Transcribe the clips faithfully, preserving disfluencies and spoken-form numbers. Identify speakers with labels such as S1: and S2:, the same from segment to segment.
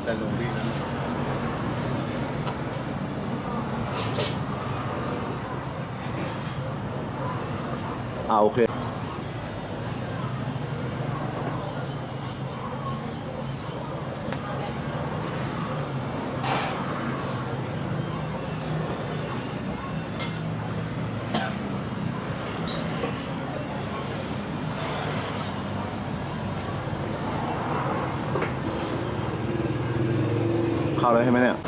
S1: แต่ลงดีนะ
S2: อ่าโอเคเข้าเลยใช่ไหมเนี่ย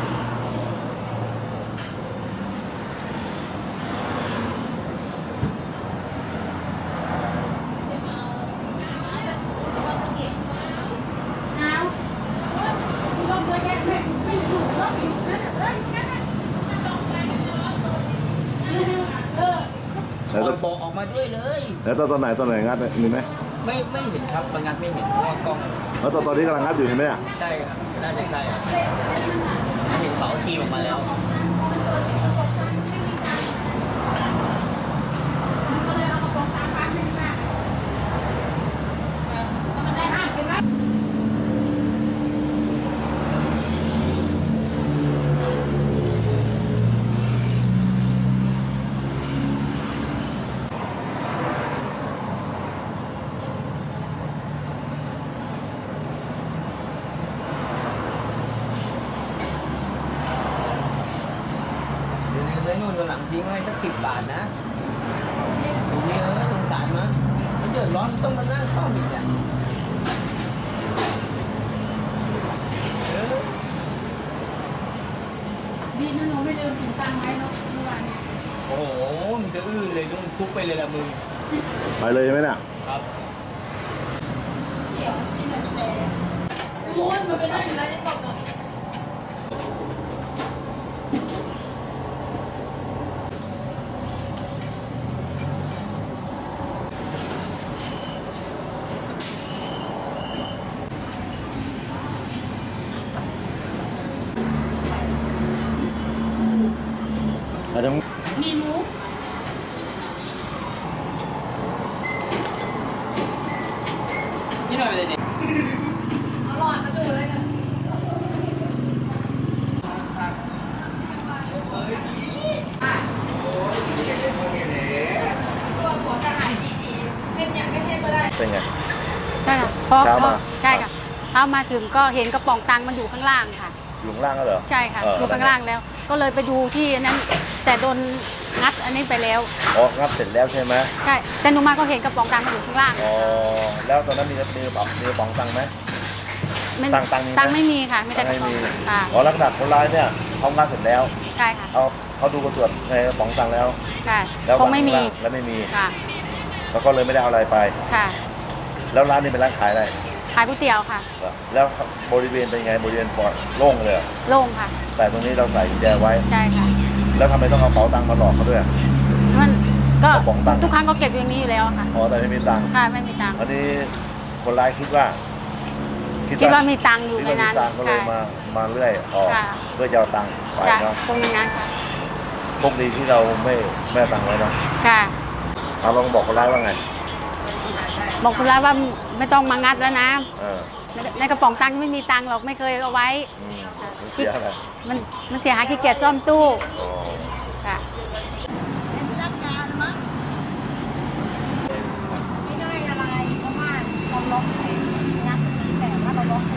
S2: แล้ว
S1: บอกออกมาด้วยเลย
S2: แล้วตอนไหนตอนไหนงัดมีไหม
S1: ไม่ไม่เห็นครับบางงานไม่เห็นเพราะว่ากล้อง
S2: แล้วตอนตอนนี้กำลังงัดอยู่เห็นไหมเนี่ย
S1: ใช่ครับน่าจะใช่ครับเห็นเขาทีออกมาแล้วเลยนู่นตัวหลังทิ้งไว้สักสิบบาทนะตรงนี้เออสงสารมันมันเดือดร้อนต้องมานั่งซ่อมอีกอ่ะ
S3: ดีนะหนูไม่ลืมถุงตังค์ไว้เนาะเมื่อวานเนี่ย
S1: โอ้โหมึงจะอื้อเลยต้องฟุกไปเลยละมึง
S2: ไปเลยใช่ไหมเนี่ย
S1: ครับ
S3: โอ้ยมันไปได้อยู่แล้วได้ตกอ่ะ
S2: แล้วต้อง
S3: มีหมู
S1: นี่หน่อยเลยเนี่ย
S3: อร่อยมาดูเลยกัน
S2: เป็นไง
S4: ใช่ค่ะพอ
S2: เช้ามา
S4: ใช่ค่ะเช้ามาถึงก็เห็นกระป๋องตังค์มันอยู่ข้างล่างค่ะ
S2: อยู่ข้างล่างก็เหรอ
S4: ใช่ค่ะ
S2: เออ
S4: อยู่ข้างล่างแล้ว ก็เลยไปดูที่นั้น แต่โดนงัดอันนี้ไปแล้ว
S2: อ๋องัดเสร็จแล้วใช่ไหม
S4: ใช่แต่หนูมาก็เห็นกระป๋องตังค์มันอยู่ข้างล่าง
S2: อ๋อแล้วตอนนั้นมีมีกระเป๋ามีกระป๋องตังค์ไหมตังค์ตังค์มีไหม
S4: ตังค์ไม่มีค่ะไม่ได้ก
S2: ไม่
S4: ระป๋อง
S2: มี
S4: ค่ะ
S2: อ๋อลักษณะคนร้ายเนี่ยเขางัดเสร็จแล้ว
S4: ใช่ค่ะ
S2: เขาเขาดูกระตรวจในกระป๋องตังค์แล้ว
S4: ค่ะ
S2: แล้ว
S4: คงไม่มี
S2: แล้วไม่มี
S4: ค่ะ
S2: แล้วก็เลยไม่ได้เอาอะไรไป
S4: ค่ะ
S2: แล้วร้านนี้เป็นร้านขายอะไร
S4: ขายก๋วยเตี๋ยวค่ะ
S2: แล้วบริเวณเป็นไงบริเวณปลอดโล่งเลยเหรอ
S4: โล่งค่ะ
S2: แต่ตรงนี้เราใส่กุญแจไว้
S4: ใช่ค่ะ
S2: แล้วทำไมต้องเอาเป๋าตังค์มาหลอกเขาด้วย
S4: มันก็
S2: กระป๋องตังค์
S4: ทุกครั้งก็เก็บอย่างนี้อยู่แล้วค่ะ
S2: อ๋อแต่ไม่มีตังค์
S4: ค่ะไม่มีตังค์
S2: อันนี้คนร้ายคิดว่า
S4: คิดว่ามีตังค์อยู่ในนั้น
S2: คิดว่ามีตังค์ก็เลยมามาเรื่อยออก
S4: ค่ะ
S2: เพื่อจะเอาตังค์ไป
S4: จ้ะ
S2: เนาะ
S4: ตรงนั้นค่ะ
S2: พวกดีที่เราไม่ไม่เอาตังค์ไว้เนาะ
S4: ค่ะ
S2: เอาลองบอกคนร้ายว่าไง
S4: บอกคุณร้านว่าไม่ต้องมางัดแล้วนะ
S2: เออ
S4: ในกระป๋องตังค์ไม่มีตังค์หรอกไม่เคยเอาไว้
S2: อืมมันเสียอะไร
S4: มันมันเสียหายขี้เกียจซ่อมตู้
S2: อ๋อ
S4: ค่ะไม่ได้อะไรเพราะว่าเราล็อกไอ้งัดแต่ว่าเราล็อก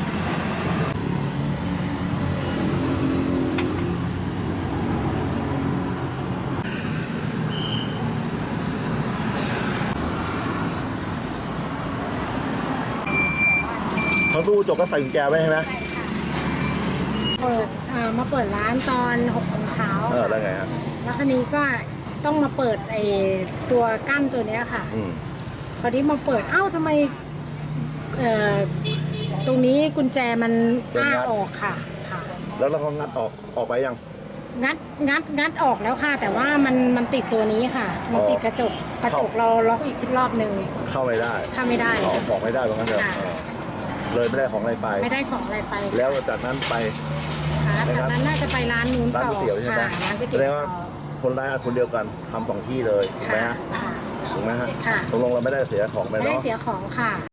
S2: เขาตู้จบก็ใส่กุญแจไว้ใช่ไหม
S5: เปิดอ่ามาเปิดร้านตอนหกโมงเช้า
S2: เออแล้วไงฮะ
S5: แล้วคราวนี้ก็ต้องมาเปิดไอ้ตัวกั้นตัวเนี้ยค่ะ
S2: อืม
S5: คราวนี้มาเปิดเอ้าทำไมเอ่อตรงนี้กุญแจมันอ้าออกค่ะค่ะ
S2: แล้วเราก็งัดออกออกไปยัง
S5: งัดงัดงัดออกแล้วค่ะ แต่ว่ามันมันติดตัวนี้ค่ะ มันติดกระจกกระจกเราล็อกอีกทีรอบหนึ่ง
S2: เข้าไม่ได้
S5: เข้าไม่ได้
S2: ออกออกไม่ได้ตรงนั้นเถอะ
S5: ค่ะ
S2: เออเลยไม่ได้ของอะไรไป
S5: ไม่ได้ของอะไรไป
S2: แล้วจากนั้นไป
S5: ค่ะจากนั้นน่าจะไปร้านนู้น
S2: ร้าน
S5: ต่อ
S2: ก๋วยเตี๋ยวใช่ไหม
S5: ค่ะร้านก๋วย
S2: แส
S5: เตี๋
S2: ด
S5: ยว
S2: งว่า
S5: ต่อ
S2: คนร้ายคนเดียวกันทำสองที่เลยถูกไหม
S5: ค่ะ
S2: ฮะ
S5: ค่ะ
S2: ถูกไหมฮะ
S5: ค่ะ
S2: ตกลงเราไม่ได้เสียของไป
S5: ไม่ได้
S2: เนาะ
S5: เสียของค่ะ